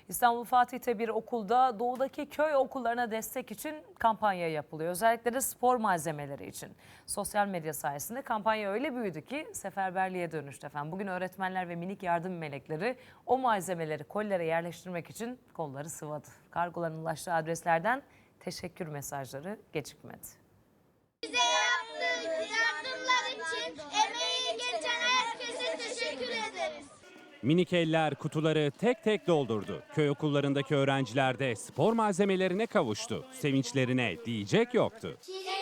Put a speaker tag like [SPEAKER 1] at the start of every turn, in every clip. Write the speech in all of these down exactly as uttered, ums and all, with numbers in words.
[SPEAKER 1] İstanbul Fatih'te bir okulda doğudaki köy okullarına destek için kampanya yapılıyor. Özellikle de spor malzemeleri için. Sosyal medya sayesinde kampanya öyle büyüdü ki seferberliğe dönüştü efendim. Bugün öğretmenler ve minik yardım melekleri o malzemeleri kollere yerleştirmek için kolları sıvadı. Kargoların ulaştığı adreslerden teşekkür mesajları gecikmedi.
[SPEAKER 2] Bize yaptığı yardımlar için emeği geçen herkese teşekkür ederiz.
[SPEAKER 3] Minik eller kutuları tek tek doldurdu. Köy okullarındaki öğrenciler de spor malzemelerine kavuştu. Sevinçlerine diyecek yoktu.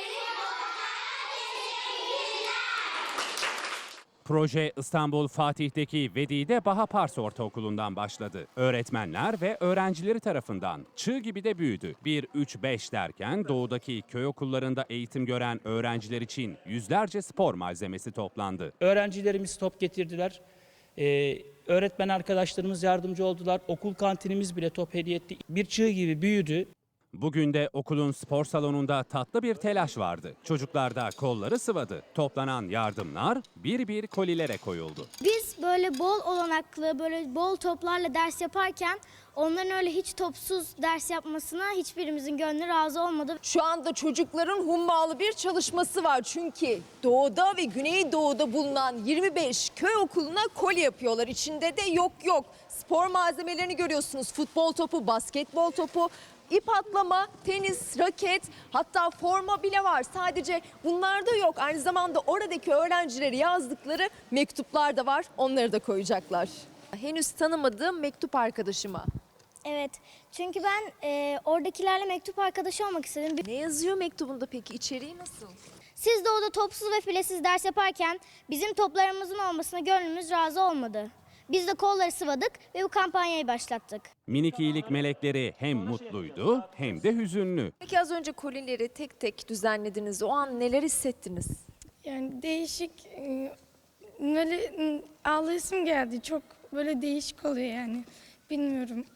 [SPEAKER 3] Proje İstanbul Fatih'teki Vedide Bahapars Ortaokulu'ndan başladı. Öğretmenler ve öğrencileri tarafından çığ gibi de büyüdü. bir üç beş derken doğudaki köy okullarında eğitim gören öğrenciler için yüzlerce spor malzemesi toplandı.
[SPEAKER 4] Öğrencilerimiz top getirdiler. Ee, öğretmen arkadaşlarımız yardımcı oldular. Okul kantinimiz bile top hediye etti. Bir çığ gibi büyüdü.
[SPEAKER 3] Bugün de okulun spor salonunda tatlı bir telaş vardı. Çocuklar da kolları sıvadı. Toplanan yardımlar bir bir kolilere koyuldu.
[SPEAKER 5] Biz böyle bol olanaklı, böyle bol toplarla ders yaparken onların öyle hiç topsuz ders yapmasına hiçbirimizin gönlü razı olmadı.
[SPEAKER 6] Şu anda çocukların hummalı bir çalışması var. Çünkü doğuda ve güneydoğuda bulunan yirmi beş köy okuluna koli yapıyorlar. İçinde de yok yok spor malzemelerini görüyorsunuz. Futbol topu, basketbol topu, ip atlama, tenis, raket, hatta forma bile var. Sadece bunlar da yok. Aynı zamanda oradaki öğrencileri yazdıkları mektuplar da var. Onları da koyacaklar. Henüz tanımadığım mektup arkadaşıma.
[SPEAKER 5] Evet, çünkü ben e, oradakilerle mektup arkadaşı olmak istedim.
[SPEAKER 6] Ne yazıyor mektubunda peki? İçeriği nasıl?
[SPEAKER 5] Siz de orada topsuz ve filesiz ders yaparken bizim toplarımızın olmasına gönlümüz razı olmadı. Biz de kolları sıvadık ve bu kampanyayı başlattık.
[SPEAKER 3] Minik iyilik melekleri hem mutluydu hem de hüzünlü.
[SPEAKER 6] Peki az önce kolileri tek tek düzenlediniz. O an neler hissettiniz?
[SPEAKER 7] Yani değişik, e, böyle e, ağlayasım geldi. Çok böyle değişik oluyor yani. Bilmiyorum.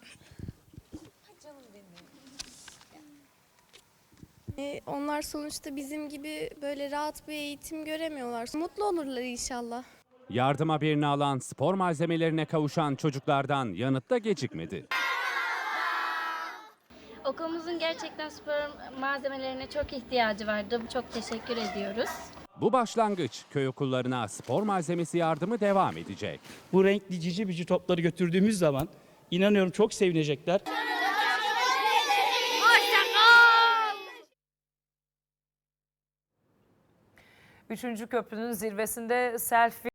[SPEAKER 8] E, Onlar sonuçta bizim gibi böyle rahat bir eğitim göremiyorlar. Mutlu olurlar inşallah.
[SPEAKER 3] Yardıma birini alan spor malzemelerine kavuşan çocuklardan yanıt da gecikmedi.
[SPEAKER 9] Okulumuzun gerçekten spor malzemelerine çok ihtiyacı vardı. Çok teşekkür ediyoruz.
[SPEAKER 3] Bu başlangıç, köy okullarına spor malzemesi yardımı devam edecek.
[SPEAKER 4] Bu renkli cici bici topları götürdüğümüz zaman inanıyorum çok sevinecekler.
[SPEAKER 1] Üçüncü köprünün zirvesinde selfie